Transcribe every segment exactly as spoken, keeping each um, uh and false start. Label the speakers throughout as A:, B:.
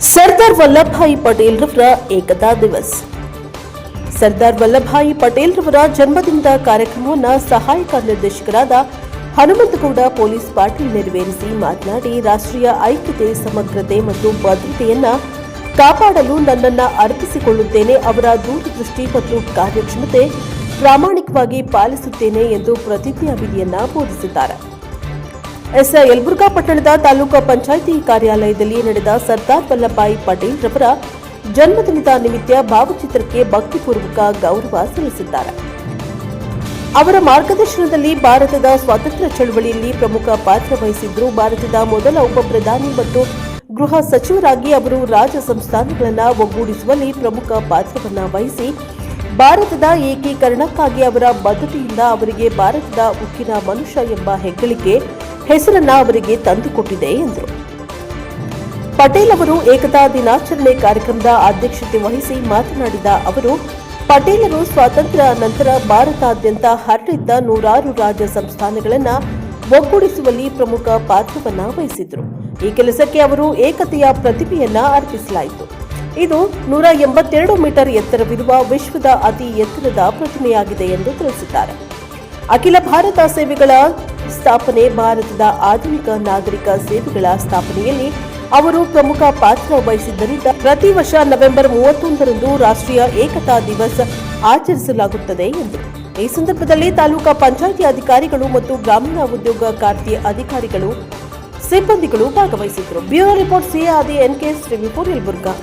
A: ಸರ್ದಾರ್ ವಲ್ಲಭಭಾಯಿ ಪಟೇಲ್ ರವರ ಏಕತಾ ದಿವಸ್. ಸರ್ದಾರ್ ವಲ್ಲಭಭಾಯಿ ಪಟೇಲ್ ರವರ ಜನ್ಮದಿನದ ಕಾರ್ಯಕ್ರಮವನ್ನು ಸಹಾಯಕ ನಿರ್ದೇಶಕರಾದ ಹನುಮಂತಗೌಡ ಪೊಲೀಸ್ ಪಾಟೀಲ್ ನೆರವೇರಿಸಿ ಮಾತನಾಡಿ, ರಾಷ್ಟ್ರೀಯ ಐಕ್ಯತೆ, ಸಮಗ್ರತೆ ಮತ್ತು ಭದ್ರತೆಯನ್ನ ಕಾಪಾಡಲು ನನ್ನನ್ನು ಅರ್ಪಿಸಿಕೊಳ್ಳುತ್ತೇನೆ. ಅವರ ದೂರದೃಷ್ಟಿ ಮತ್ತು ಕಾರ್ಯಕ್ಷಮತೆ ಪ್ರಾಮಾಣಿಕವಾಗಿ ಪಾಲಿಸುತ್ತೇನೆ ಎಂದು ಪ್ರತಿಜ್ಞಾವಿಧಿಯನ್ನ ಬೋಧಿಸಿದ್ದಾರೆ. ಎಸ್ ಯಲಬುರ್ಗಾ ಪಟ್ಟಣದ ತಾಲೂಕು ಪಂಚಾಯಿತಿ ಕಾರ್ಯಾಲಯದಲ್ಲಿ ನಡೆದ ಸರ್ದಾರ್ ವಲ್ಲಭಭಾಯಿ ಪಟೇಲ್ ರವರ ಜನ್ಮದಿನದ ನಿಮಿತ್ತ ಭಾವಚಿತ್ರಕ್ಕೆ ಭಕ್ತಿಪೂರ್ವಕ ಗೌರವ ಸಲ್ಲಿಸಿದ್ದಾರೆ. ಅವರ ಮಾರ್ಗದರ್ಶನದಲ್ಲಿ ಭಾರತದ ಸ್ವಾತಂತ್ರ್ಯ ಚಳವಳಿಯಲ್ಲಿ ಪ್ರಮುಖ ಪಾತ್ರ ವಹಿಸಿದ್ರು. ಭಾರತದ ಮೊದಲ ಉಪ ಪ್ರಧಾನಿ ಮತ್ತು ಗೃಹ ಸಚಿವರಾಗಿ ಅವರು ರಾಜ ಸಂಸ್ಥಾನಗಳನ್ನು ಒಗ್ಗೂಡಿಸುವಲ್ಲಿ ಪ್ರಮುಖ ಪಾತ್ರವನ್ನು ವಹಿಸಿ ಭಾರತದ ಏಕೀಕರಣಕ್ಕಾಗಿ ಅವರ ಬದ್ಧತೆಯಿಂದ ಅವರಿಗೆ ಭಾರತದ ಉಕ್ಕಿನ ಮನುಷ್ಯ ಎಂಬ ಹೆಗ್ಗಳಿಕೆ ಹೆಸರನ್ನ ಅವರಿಗೆ ತಂದುಕೊಟ್ಟಿದೆ ಎಂದರು. ಪಟೇಲ್ ಅವರು ಏಕತಾ ದಿನಾಚರಣೆ ಕಾರ್ಯಕ್ರಮದ ಅಧ್ಯಕ್ಷತೆ ವಹಿಸಿ ಮಾತನಾಡಿದ ಅವರು, ಪಟೇಲರು ಸ್ವಾತಂತ್ರ್ಯ ನಂತರ ಭಾರತಾದ್ಯಂತ ಹರಡಿದ್ದ ನೂರಾರು ರಾಜ್ಯ ಸಂಸ್ಥಾನಗಳನ್ನು ಒಗ್ಗೂಡಿಸುವಲ್ಲಿ ಪ್ರಮುಖ ಪಾತ್ರವನ್ನು ವಹಿಸಿದ್ರು. ಈ ಕೆಲಸಕ್ಕೆ ಅವರು ಏಕತೆಯ ಪ್ರತಿಭೆಯನ್ನ ಅರ್ಪಿಸಲಾಯಿತು. ಇದು ನೂರ ಎಂಬತ್ತೆರಡು ಮೀಟರ್ ಎತ್ತರವಿರುವ ವಿಶ್ವದ ಅತಿ ಎತ್ತರದ ಪ್ರತಿಮೆಯಾಗಿದೆ ಎಂದು ತಿಳಿಸಿದ್ದಾರೆ. ಅಖಿಲ ಭಾರತ ಸೇವೆಗಳ ಸ್ಥಾಪನೆ, ಭಾರತದ ಆಧುನಿಕ ನಾಗರಿಕ ಸೇವೆಗಳ ಸ್ಥಾಪನೆಯಲ್ಲಿ ಅವರು ಪ್ರಮುಖ ಪಾತ್ರ ವಹಿಸಿದ್ದರಿಂದ ಪ್ರತಿ ವರ್ಷ ನವೆಂಬರ್ ಮೂವತ್ತೊಂದರಂದು ರಾಷ್ಟ್ರೀಯ ಏಕತಾ ದಿವಸ್ ಆಚರಿಸಲಾಗುತ್ತದೆ ಎಂದರು. ಈ ಸಂದರ್ಭದಲ್ಲಿ ತಾಲೂಕಾ ಪಂಚಾಯಿತಿ ಅಧಿಕಾರಿಗಳು ಮತ್ತು ಗ್ರಾಮೀಣ ಉದ್ಯೋಗ ಖಾತೆ ಅಧಿಕಾರಿಗಳು, ಸಿಬ್ಬಂದಿಗಳು ಭಾಗವಹಿಸಿದ್ದರು. ಬ್ಯೂರೋ ರಿಪೋರ್ಟ್ ಸಿಆದಿ ಎನ್ಕೆ ಶ್ರೀವಿಪುರ್ ಯಲಬುರ್ಗಾ.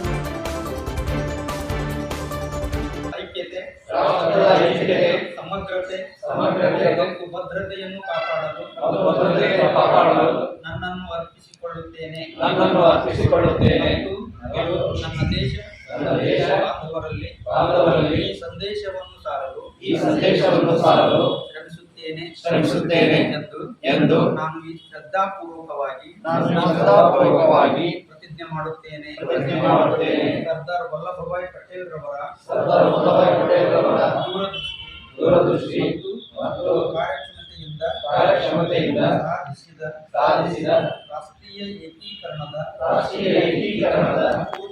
B: ಸಮಗ್ರತೆ ಮತ್ತು ಭದ್ರತೆಯನ್ನು ಕಾಪಾಡಲು ನನ್ನನ್ನು ಅರ್ಪಿಸಿಕೊಳ್ಳುತ್ತೇನೆ ಮತ್ತು ನನ್ನ ದೇಶ ಬಾಂಧವರಲ್ಲಿ ಈ ಸಂದೇಶವನ್ನು ಸಾರಲು ಶ್ರಮಿಸುತ್ತೇನೆ ಎಂದು ನಾನು ಈ ಶ್ರದ್ಧಾಪೂರ್ವಕವಾಗಿ ಪ್ರತಿಜ್ಞೆ ಮಾಡುತ್ತೇನೆ. ಸರ್ದಾರ್ ವಲ್ಲಭಭಾಯಿ ಪಟೇಲ್ ರವರ ದೂರದೃಷ್ಟಿ ಮತ್ತು ಕಾರ್ಯಕ್ಷಮತೆಯಿಂದ ಸಾಧಿಸಿದ ರಾಷ್ಟ್ರೀಯ ಏಕೀಕರಣದ